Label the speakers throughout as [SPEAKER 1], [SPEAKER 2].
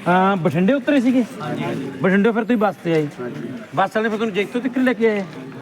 [SPEAKER 1] ਹਾਂ ਬਠਿੰਡੇ ਉਤਰੇ ਸੀਗੇ। ਬਠਿੰਡੇ ਫਿਰ ਤੁਸੀਂ ਬੱਸ ਤੇ ਆਏ। ਬੱਸ ਵਾਲੇ ਫਿਰ ਤੁਹਾਨੂੰ ਜੈਤੋ ਤੱਕ ਲੈ ਕੇ ਆਏ।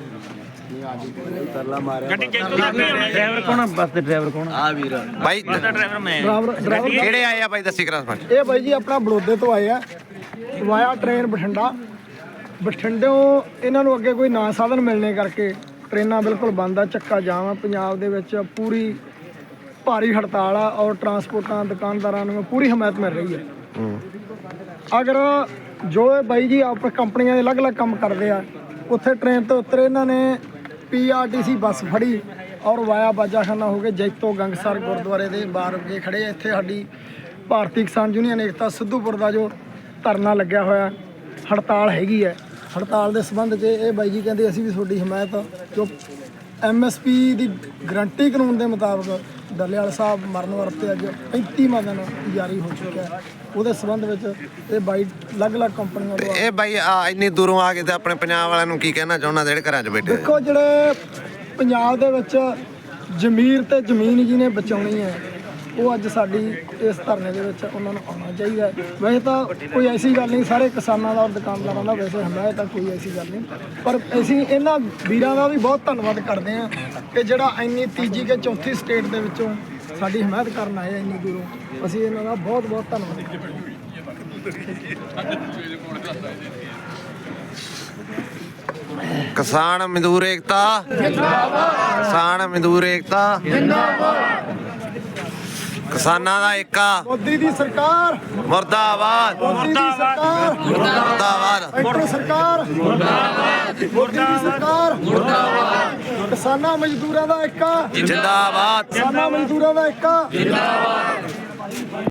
[SPEAKER 1] ਡਰਾਈਵਰ ਕੌਣ ਆ ਬੱਸ ਦੇ? ਡਰਾਈਵਰ ਕੌਣ ਆ ਵੀਰ?
[SPEAKER 2] ਬਾਈ
[SPEAKER 3] ਡਰਾਈਵਰ ਮੈਂ।
[SPEAKER 2] ਡਰਾਈਵਰ ਕਿਹੜੇ ਆਏ ਆ ਬਾਈ ਦੱਸੀ ਕਰਾ ਸਰਪੰਚ।
[SPEAKER 4] ਇਹ ਬਾਈ ਜੀ ਆਪਣਾ ਬੜੌਦੇ ਤੋਂ ਆਏ ਆ ਵਾਇਆ ਟ੍ਰੇਨ ਬਠਿੰਡਾ। ਬਠਿੰਡਿਓਂ ਇਹਨਾਂ ਨੂੰ ਅੱਗੇ ਕੋਈ ਨਾ ਸਾਧਨ ਮਿਲਣੇ ਕਰਕੇ ਟ੍ਰੇਨਾਂ ਬਿਲਕੁਲ ਬੰਦ ਆ, ਚੱਕਾ ਜਾਮ ਆ। ਪੰਜਾਬ ਦੇ ਵਿੱਚ ਪੂਰੀ ਭਾਰੀ ਹੜਤਾਲ ਆ ਔਰ ਟਰਾਂਸਪੋਰਟਾਂ ਦੁਕਾਨਦਾਰਾਂ ਨੂੰ ਪੂਰੀ ਹਮਾਇਤ ਮਿਲ ਰਹੀ ਹੈ। ਅਗਰ ਜੋ ਇਹ ਬਾਈ ਜੀ ਆਪ ਕੰਪਨੀਆਂ ਦੇ ਅਲੱਗ-ਅਲੱਗ ਕੰਮ ਕਰਦੇ ਆ, ਉੱਥੇ ਟ੍ਰੇਨ ਤੋਂ ਉਤਰੇ ਇਹਨਾਂ ਨੇ PRTC ਬੱਸ ਫੜੀ ਔਰ ਵਾਇਆ ਬਾਜਾਖਾਨਾ ਹੋ ਕੇ ਜੈਤੋ ਗੰਗਸਰ ਗੁਰਦੁਆਰੇ ਦੇ ਬਾਹਰ ਅੱਗੇ ਖੜੇ ਆ। ਇੱਥੇ ਸਾਡੀ ਭਾਰਤੀ ਕਿਸਾਨ ਯੂਨੀਅਨ ਏਕਤਾ ਸਿੱਧੂਪੁਰ ਦਾ ਜੋ ਧਰਨਾ ਲੱਗਿਆ ਹੋਇਆ, ਹੜਤਾਲ ਹੈਗੀ ਹੈ। ਹੜਤਾਲ ਦੇ ਸੰਬੰਧ 'ਚ ਇਹ ਬਾਈ ਜੀ ਕਹਿੰਦੇ ਅਸੀਂ ਵੀ ਤੁਹਾਡੀ ਹਮਾਇਤ, ਜੋ MSP ਦੀ ਗਰੰਟੀ ਕਾਨੂੰਨ ਦੇ ਮੁਤਾਬਕ ਡੱਲੇਵਾਲ ਸਾਹਿਬ ਮਰਨ ਵਰਤੇ ਅੱਜ 35ਵਾਂ ਦਿਨ ਜਾਰੀ ਹੋ ਚੁੱਕਿਆ ਹੈ। ਉਹਦੇ ਸੰਬੰਧ ਵਿੱਚ ਇਹ ਬਾਈ ਅਲੱਗ-ਅਲੱਗ ਕੰਪਨੀਆਂ ਤੋਂ
[SPEAKER 2] ਇਹ ਬਾਈ ਇੰਨੀ ਦੂਰੋਂ ਆ ਕੇ ਤੇ ਆਪਣੇ ਪੰਜਾਬ ਵਾਲਿਆਂ ਨੂੰ ਕੀ ਕਹਿਣਾ ਚਾਹੁੰਦਾ ਜਿਹੜੇ ਘਰਾਂ 'ਚ ਬੈਠੇ?
[SPEAKER 4] ਦੇਖੋ, ਜਿਹੜੇ ਪੰਜਾਬ ਦੇ ਵਿੱਚ ਜ਼ਮੀਰ ਤੇ ਜ਼ਮੀਨ ਜਿਹਨੇ ਬਚਾਉਣੀ ਹੈ, ਉਹ ਅੱਜ ਸਾਡੀ ਇਸ ਧਰਨੇ ਦੇ ਵਿੱਚ ਉਹਨਾਂ ਨੂੰ ਆਉਣਾ ਚਾਹੀਦਾ। ਵੈਸੇ ਤਾਂ ਕੋਈ ਐਸੀ ਗੱਲ ਨਹੀਂ, ਸਾਰੇ ਕਿਸਾਨਾਂ ਦਾ ਔਰ ਦੁਕਾਨਦਾਰਾਂ ਦਾ ਵੈਸੇ ਹਮਾਇਤ ਤਾਂ ਕੋਈ ਐਸੀ ਗੱਲ ਨਹੀਂ, ਪਰ ਅਸੀਂ ਇਹਨਾਂ ਵੀਰਾਂ ਦਾ ਵੀ ਬਹੁਤ ਧੰਨਵਾਦ ਕਰਦੇ ਹਾਂ ਕਿ ਜਿਹੜਾ ਇੰਨੀ ਤੀਜੀ ਕਿ ਚੌਥੀ ਸਟੇਟ ਦੇ ਵਿੱਚੋਂ ਸਾਡੀ ਹਮਾਇਤ ਕਰਨ ਆਏ ਇੰਨੀ ਦੂਰੋਂ। ਅਸੀਂ ਇਹਨਾਂ ਦਾ ਬਹੁਤ ਬਹੁਤ ਧੰਨਵਾਦ ਕਰਦੇ ਹਾਂ।
[SPEAKER 2] ਕਿਸਾਨ ਮਜ਼ਦੂਰ ਏਕਤਾ ਜਿੰਦਾਬਾਦ। ਕਿਸਾਨ ਮਜ਼ਦੂਰ ਏਕਤਾ ਜਿੰਦਾਬਾਦ। ਕਿਸਾਨਾਂ ਦਾ ਏਕਾ।
[SPEAKER 4] ਮੋਦੀ ਦੀ ਸਰਕਾਰ
[SPEAKER 2] ਮੁਰਦਾਬਾਦ।
[SPEAKER 4] ਮੋਦੀ ਦੀ ਸਰਕਾਰ
[SPEAKER 2] ਮੁਰਦਾਬਾਦ।
[SPEAKER 4] ਸੈਂਟਰ ਸਰਕਾਰ ਮੁਰਦਾਬਾਦ। ਮੋਦੀ ਦੀ ਸਰਕਾਰ ਮੁਰਦਾਬਾਦ। ਕਿਸਾਨਾਂ ਮਜ਼ਦੂਰਾਂ ਦਾ ਏਕਾ
[SPEAKER 2] ਜਿੰਦਾਬਾਦ।
[SPEAKER 4] ਕਿਸਾਨਾਂ ਮਜ਼ਦੂਰਾਂ ਦਾ ਏਕਾ ਜਿੰਦਾਬਾਦ।